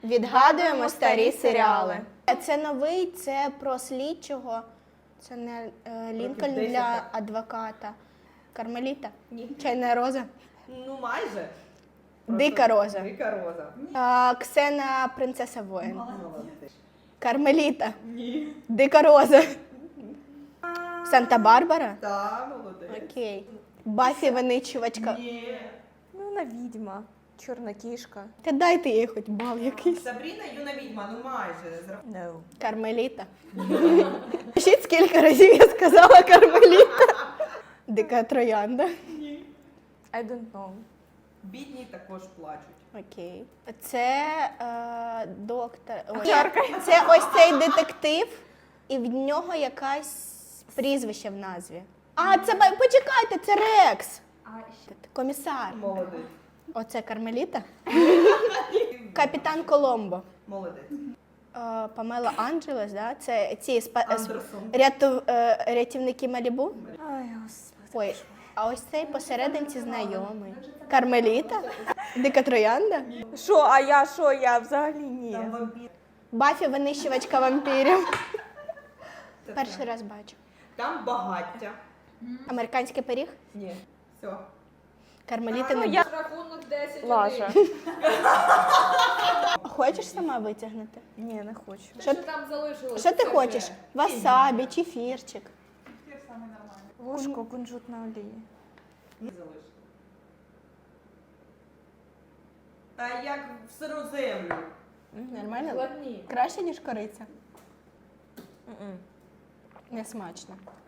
Відгадуємо старі серіали. Це новий, це про слідчого. Це не Лінкольн для адвоката. Кармеліта? Ні. Чайна роза? Ну, майже. Дика роза. Дика роза. Ксена принцеса воїн. Молодець. Кармеліта. Ні. Дика роза. Санта-Барбара? Так, молодець. Окей. Баффі винищувачка. Ні. Ну, вона відьма, чорна кішка. Та дайте їй хоч бал якийсь. Сабріна юна відьма, ну майже. No. Кармеліта. Пишіть, скільки разів я сказала Кармеліта. Дика троянда. Ні. I don't know. Бідні також плачуть. Окей. Це доктор. Це ось цей детектив, і в нього якась прізвище в назві. А, це почекайте, це Рекс. Комісар. Молодець. Оце Кармеліта. Капітан Коломбо. Молодець. Памела Анджелес, да? Це ці Андерсон. рятівники Малібу. Ай, господи. Ой, а ось цей посерединці знайомий. Кармеліта? Дика троянда? Що, а я що? Я взагалі ні. Там вампір. Баффі винищувачка вампірів. Це Перший так. раз бачу. Там багаття. Американський пиріг? Ні. Все. Кармеліта не я- Рахунок 10-1. Лажа. Хочеш сама витягнути? Ні, не хочу. Що, Що там залишилось? що ти хочеш? Васабі, чефірчик. Вушко, кунжутна олія. Не залишили. Та як в сиру землю. Нормально? Складні. Краще, ніж кориця. М-м. Не смачно.